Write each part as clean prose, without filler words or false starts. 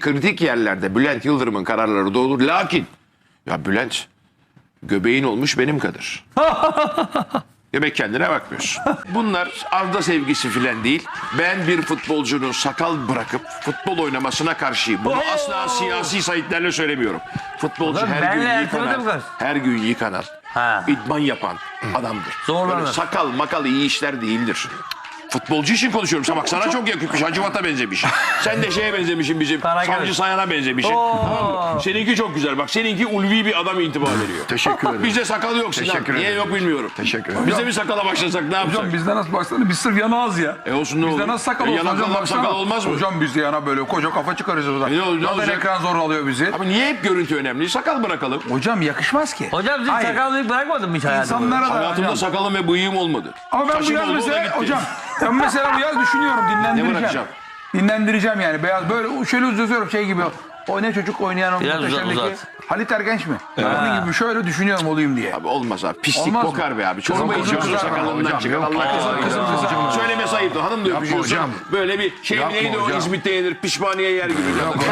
kritik yerlerde Bülent Yıldırım'ın kararları doğru. Lakin ya Bülent göbeğin olmuş benim kadar. Demek kendine bakmıyorsun. Bunlar Arda sevgisi filan değil. Ben bir futbolcunun sakal bırakıp futbol oynamasına karşıyım. Bunu asla siyasi sayıtlarla söylemiyorum. Futbolcu Oğlum, her benle gün Ertuğrul yıkanan, Kız. her gün yıkanan, idman yapan adamdır. Zorlanır. Böyle sakal makal iyi işler değildir. Futbolcu için konuşuyorum. Bak sana çok yakışmış. Hacivat'a benzemiş. Sen de şeye benzemişsin bizim. Karagöz. Savcı Sayan'a benzemişsin. Tamam mı? Seninki çok güzel. Bak seninki ulvi bir adam intiba veriyor. Teşekkür ederim. Bizde sakal yok Sinan. Teşekkür Niye ederim. yok bilmiyorum. Teşekkür ederim. Biz de bir sakala başlasak ne yapsak? Hocam bizde nasıl baksana biz sırf yanağız ya. Olsun ne olur. Bizde nasıl sakal olsun hocam Yanaklardan baksana. sakal olmaz mı? Hocam bizde yana böyle koca kafa çıkarırız orada. Ne olacak? Zaten ekran zor alıyor bizi. Abi niye hep görüntü önemli? Sakal bırakalım. Hocam yakışmaz ki. Hocam siz Hayır. sakallık bırakmadın mı hiç hayatında? İnsanlara da Hayatımda hocam. sakalım ve bıyığım olmadı. Ama ben bu Saçım yaz oldu, o da mesela gitti. hocam. Ben mesela bu yaz düşünüyorum Ne dinlendireceğim. bırakacağım? Dinlendireceğim yani beyaz böyle şöyle uzatıyorum şey gibi. O ne çocuk oynayan o Biraz muhteşemdeki uzat. Halit Ergenç mi? Onun gibi şöyle düşünüyorum olayım diye. Abi olmaz abi. Pislik Olmaz mı? kokar be abi. Çorba Kızım, içiyorsun kızım, sakalından hocam, çıkar. yok. Allah Kızım, kızım. Söyleme sayıptı. Hanım da öpüşüyorsun. hocam. Böyle bir şey Yapma neydi o hocam. İzmit'te yenir pişmaniye yer gibi.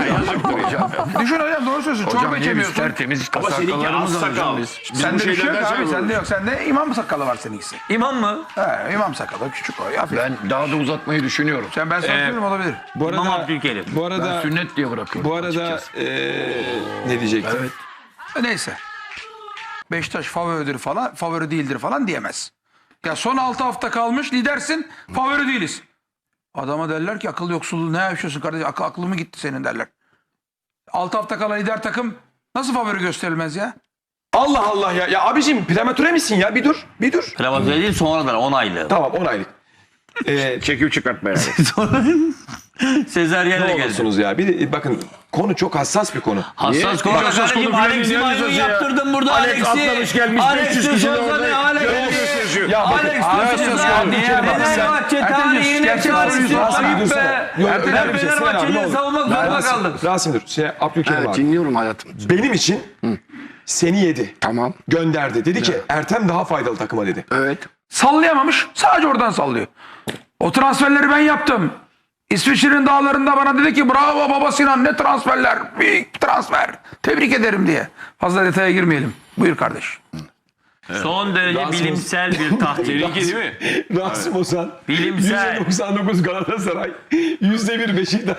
Düşün hocam doğru söylüyorsun. Çorba Hocam niye biz içemiyorsun. tertemiz Ama seninki az sakallarımız var sakal. hocam biz. Sende bir şey yok abi. söylüyoruz. Sende yok. Sende imam sakalı var seninkisi. İmam mı? He, imam sakalı küçük o. Hafif. Ben daha da uzatmayı düşünüyorum. Ben sana söylüyorum olabilir. Bu İmam arada, Abdülkerim. bu arada, Sünnet diye bırakıyorum. bu arada açıkçası. ne diyecektim? Evet. Neyse. Beşiktaş favoridir falan, favori değildir falan diyemez. Ya son 6 hafta kalmış lidersin, favori değiliz. Adama derler ki akıl yoksulluğu ne yaşıyorsun kardeşim, aklı mı gitti senin derler. 6 hafta kala lider takım nasıl favori gösterilmez ya? Allah Allah ya. Ya abicim prematüre misin ya? Bir dur. Bir dur. Prematüre değil sonradan 10 aylık. Tamam 10 aylık. Çekip çıkartma yani. Sezeryenle Ne geldi. olursunuz ya? Bir de, bakın konu çok hassas bir konu. Hassas konu. Hassas Kardeşim konu Alex'i filan maymun diyeceğiz ya. yaptırdım burada Alex Alex'i. atlamış gelmiş, 500 kişi de orada. Alex'i. Ya bakın. Alex hassas diyorsunuz konu. ya. Bir kere bak, sen- Fenerbahçe Ertem tarihine gerçek çağrıştı. Rasim, Ayıp dursana. be. Yok, Ben önemli bir şey. Sinan abi, ne Fenerbahçe'yi olur. savunmak zorunda kaldım. Rasim dur. Abdülkerim Evet, abi. dinliyorum hayatım. Benim için seni yedi. Tamam. Gönderdi. Dedi ki Ertem daha faydalı takıma dedi. Evet. Sallayamamış, sadece oradan sallıyor. O transferleri ben yaptım. İsviçre'nin dağlarında bana dedi ki bravo baba Sinan ne transferler, büyük transfer. Tebrik ederim diye. Fazla detaya girmeyelim. Buyur kardeş. Son derece bilimsel bir tahtil. Seninki değil mi? Rasim Ozan. Bilimsel. %99 Galatasaray. %1 Beşiktaş.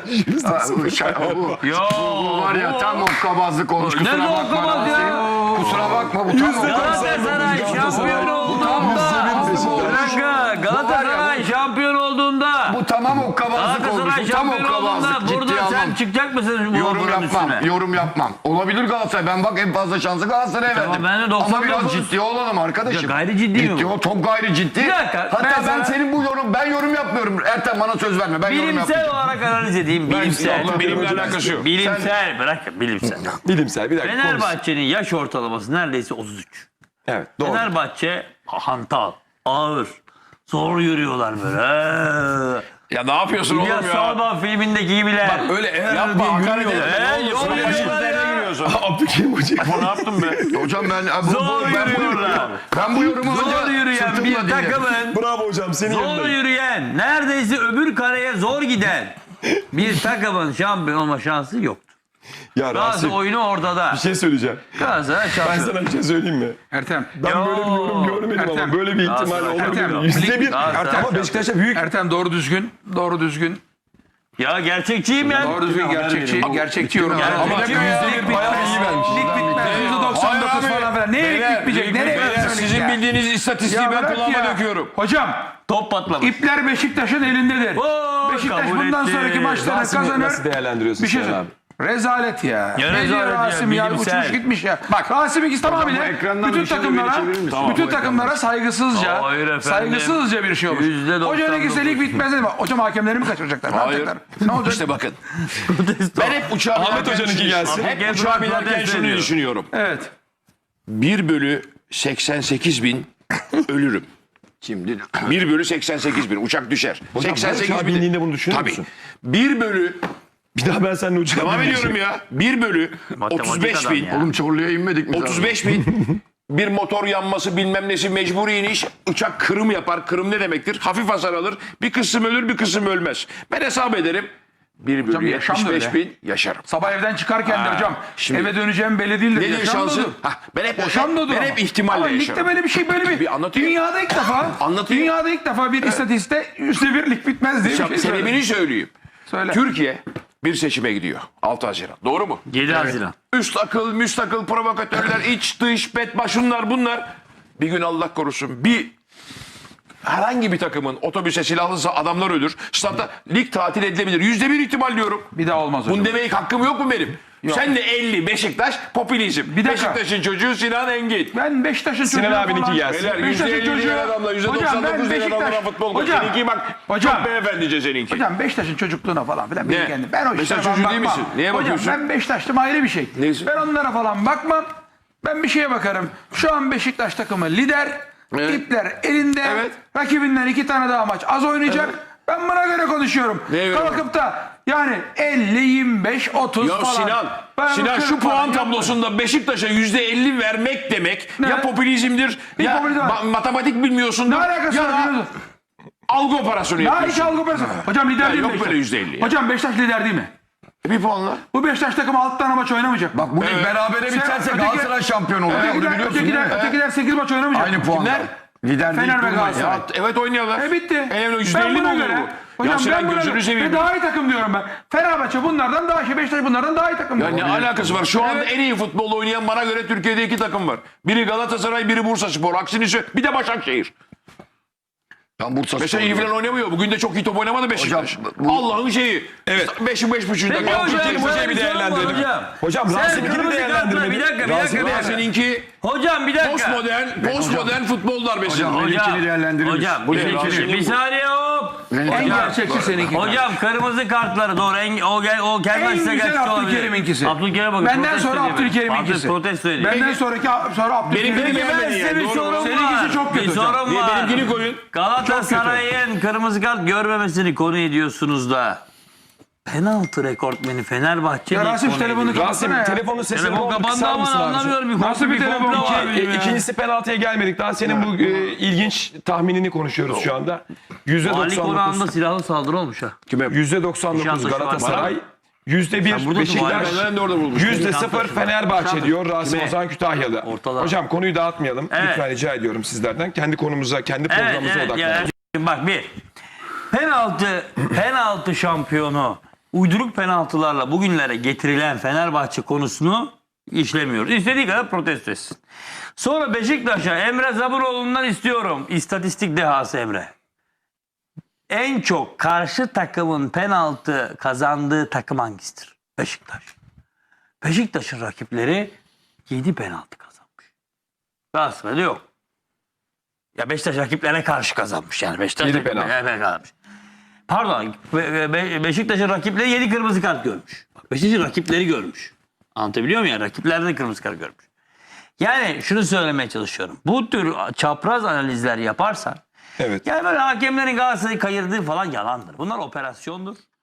Yo. Bu var ya tam hokkabazlık olmuş. Ne Kusura bakma. hokkabaz ya? Rasim. Kusura bakma bu tam hokkabazlık. Galatasaray şampiyon olduğunda. Bırakın. Galatasaray şampiyon olduğunda. Bu tamam hokkabazlık olmuş. Galatasaray Bu tam şampiyon olduğunda hokkabazlık. Ciddiye burada sen almam. çıkacak mısın bu Yorum okulun yapmam. üstüne? Yorum yapmam. Olabilir Galatasaray. Ben bak en fazla şansı Galatasaray'a verdim. ben de 99. Ama biraz ciddi olalım arkadaşım. Ya gayri ciddi mi bu? Ciddi ol. Çok gayri ciddi. Bir dakika, Hatta ben ben sana- senin bu ben yorum yapmıyorum. Ertem bana söz verme. Ben yorum Bilimsel yapmayacağım. olarak analiz edeyim. Bilimsel. Allah benimle alakası yok. Bilimsel. Bırak bilimsel. Bilimsel bir dakika. konuş. Fenerbahçe'nin yaş ortalaması neredeyse 33. Evet doğru. Fenerbahçe hantal, ağır, zor yürüyorlar böyle. Ya ne yapıyorsun oğlum İlyas ya? Salman filmindeki gibiler. Öyle Yapma hakaret etme. Ne yol olursun? yürüyorlar ya. giriyorsun. Abdülkerim Hoca. Ne yaptın be? Hocam ben Zor yürüyorlar. Ben bu yorumu Zor önce yürüyen sırtımla bir dinledim. takımın, Bravo hocam senin zor yanındayım. yürüyen, neredeyse öbür kareye zor giden bir takımın şampiyon olma şansı yok. Ya Galatasaray Rasim oyunu ortada. bir şey söyleyeceğim. Galatasaray Ben şampiyon. sana bir şey söyleyeyim mi? Ertem. Ben böyle bir yorum görmedim ama Ertem. böyle bir ihtimal Galatasaray olabilir. şampiyon. %1. Galatasaray Ama Beşiktaş'a büyük. Ertem doğru düzgün. Ya gerçekçiyim ya. Doğru düzgün gerçekçi yorum. Ama %1 bayağı iyi vermiş. Lig bitmez. %99 falan filan. Neye lig bitmeyecek? Nereye Beyler, bitmeyecek sizin ya? bildiğiniz istatistiği Ya ben bırak kulağıma ya. döküyorum. Hocam Top patlamış. ipler Beşiktaş'ın elindedir. Oo, Beşiktaş kabul bundan etti. sonraki maçları Rasim'i kazanır. nasıl değerlendiriyorsun Bir şey Sinan söyle. Rezalet ya. Ya Ne diyor rezalet ya, Rasim ya? bilimsel. Uçmuş gitmiş ya. Bak Rasim ikisi tamamıyla ekrandan bütün bir şey takımlara böyle çevirir misin? bütün takımlara saygısızca Hayır efendim. saygısızca bir şey olmuş. %99. Hocanın ikisi de lig bitmez dedi. Hocam hakemleri mi kaçıracaklar? Ne Hayır. yapacaklar? Ne olacak? İşte bakın. Ben hep uçağa Ahmet binerken Hoca'nınki gelsin. Hep uçağa binerken Protest şunu ediyor. düşünüyorum. Evet. 1/88.000 ölürüm. Şimdi 1/88.000 uçak düşer. Hocam, her uçağa bindiğinde bunu düşünüyor Tabii. musun? 1 bölü Bir daha ben seninle uçağa devam binmeyeceğim. ediyorum ya. 1/35.000 Matematik adam ya. oğlum Çorlu'ya inmedik mi? 35.000 bir motor yanması bilmem nesi mecburi iniş. Uçak kırım yapar. Kırım ne demektir? Hafif hasar alır. Bir kısım ölür bir kısım ölmez. Ben hesap ederim. 1 bölü yaşam da 75 öyle. bin yaşarım. Sabah evden çıkarken de hocam şimdi- eve döneceğim belli değildir. Nedir Yaşam şansı? da odur. Yaşam da odur Ben ama. hep ihtimalle Ama ligde yaşarım. böyle bir şey Bir anlatayım. Dünyada ilk defa Anlatayım. Dünyada ilk defa bir istatistikte %1'lik bitmez diye bir şey Sebebini söyledim. söyleyeyim. Söyle. Türkiye bir seçime gidiyor. 6 Haziran. Doğru mu? 7 Haziran. Üst akıl, müstakıl, provokatörler, iç, dış, betba, şunlar bunlar. Bir gün Allah korusun herhangi bir takımın otobüse silahlısa adamlar ölür. Statta lig tatil edilebilir. %1 ihtimal diyorum. Bir daha olmaz hocam. Bunu demeye hakkım yok mu benim? Sen de 50 Beşiktaş popülizm. Bir dakika. Beşiktaş'ın çocuğu Sinan Engin. Ben Beşiktaş'ın çocuğu Sinan abininki gelsin. Beyler Beşiktaş'ın %50 çocuğu- diyen adamla Hocam, ben %99 diyen Beşiktaş- adamla futbol koç. Hocam, Seninki bak hocam. çok beyefendice seninki. Hocam Beşiktaş'ın çocukluğuna falan filan. Ne? Kendim. Ben o Beşiktaş işlere falan çocuğu değil bakmam. misin? Neye bakıyorsun? Hocam ben Beşiktaşlım ayrı bir şey. Neyse. Ben onlara falan bakmam. Ben bir şeye bakarım. Şu an Beşiktaş takımı lider. Evet. İpler elinde. Evet. Rakibinden 2 tane daha maç az oynayacak. Ben buna göre konuşuyorum. Neye göre? Kalkıp da yani 50, 25, 30 Ya falan. Sinan Ben şu bakıyorum puan falan, tablosunda Beşiktaş'a %50 vermek demek Ne? ya popülizmdir Bir ya popülizm var. matematik bilmiyorsundur Ne alakası ya var? da biliyorsun? algı operasyonu Ne hiç yapıyorsun. algı operasyon. Hocam lider Ya değil mi yok Beşiktaş? böyle %50 ya. Hocam Beşiktaş lider değil mi? Bir puanla. Bu Beşiktaş takımı 6 tane maç oynamayacak. Bak bu lig Evet. berabere biterse öteki- Galatasaray şampiyon olur. Onu biliyorsun değil mi? Ötekiler 8 maç oynamayacak. Aynı puanlar. Kimler? Lider değil Fener ve durmayın. Galatasaray. Ya, evet oynuyorlar. Bitti. %50 Ben mi buna oluyor göre, bu? hocam Ya Sinan ben buna gözünü göre seveyim. ve daha iyi takım diyorum ben. Fenerbahçe bunlardan daha iyi, Beşiktaş bunlardan daha iyi takım Ya diyorum. ne alakası var? Şu anda en iyi futbol oynayan bana göre Türkiye'de 2 takım var. Biri Galatasaray, biri Bursaspor. Aksini bir de Başakşehir. Ben Bursa Mesela iyi falan oynamıyor. Bugün de çok iyi top oynamadı Beşiktaş. Hocam, bu- Allah'ın şeyi. Evet. 5'in 5.5 Peki dakika. hocam, Abdülkerim Hoca'yı bir bir sorun var değerlendirelim. hocam. Hocam Sen Rasim'inkini kırmızı kartla değerlendirmedin. bir dakika. Seninki Hocam bir dakika. postmodern futbol darbesi. Benimkini değerlendirir misin? Hocam Bu ne? benimkini- Rasim'in bir bu. saniye hop. En gerçekçi seninki. Hocam kırmızı kartları doğru. O gelmezse En güzel gerçek olabilir. Abdülkerim'inkisi. Abdülkerim'e bakın. Benden protesto sonra ediyor beni. Abdülkerim'inkisi. Protesto ediyor. Benden sonra Abdülkerim. Benimkini Peki ben beğenmedin size yani, bir doğru sorum mu? var. Seninkisi çok kötü Bir hocam. sorum var. Benimkini koyun. Galatasaray'ın kırmızı kart görmemesini konu ediyorsunuz da penaltı rekortmeni Fenerbahçe Ya değil, Rasim konu telefonu ediyor. Rasim kapatsana ya. telefonun sesini Telefon kapandı kısar ama mısın abicim? anlamıyorum. Bir Nasıl bir telefon? komplo var benim ya. İkincisi penaltıya gelmedik. Daha senin bu ilginç tahminini konuşuyoruz şu anda. Ali Konağı'nda %99 silahlı saldırı olmuş ha. %99 Nişantaşı var. Galatasaray, %1 Sen burada Beşiktaş, dur, Ben de orada bulmuştum. %0 Nişantaşı. Fenerbahçe diyor Rasim Kime? Ozan Kütahyalı. Ortada. Hocam konuyu dağıtmayalım. Evet. Lütfen rica ediyorum sizlerden. Kendi konumuza, kendi Evet, programımıza evet. odaklanalım. Ya, bak bir. Penaltı şampiyonu uyduruk penaltılarla bugünlere getirilen Fenerbahçe konusunu işlemiyoruz. İstediği kadar protesto etsin. Sonra Beşiktaş'a Emre Zaburoğlu'ndan istiyorum. İstatistik dehası Emre. En çok karşı takımın penaltı kazandığı takım hangisidir? Beşiktaş. Beşiktaş'ın rakipleri 7 penaltı kazanmış. Galatasaray'da yok. Ya Beşiktaş rakiplerine karşı kazanmış yani. Beşiktaş 7 rakiplerine penaltı. kazanmış. Pardon. Beşiktaş'ın rakipleri 7 kırmızı kart görmüş. Bak, Beşiktaş'ın rakipleri görmüş. Anlatabiliyor muyum ya? Rakipler de kırmızı kart görmüş. Yani şunu söylemeye çalışıyorum. Bu tür çapraz analizler yaparsan Evet. yani böyle hakemlerin Galatasaray'ı kayırdığı falan yalandır. Bunlar operasyondur.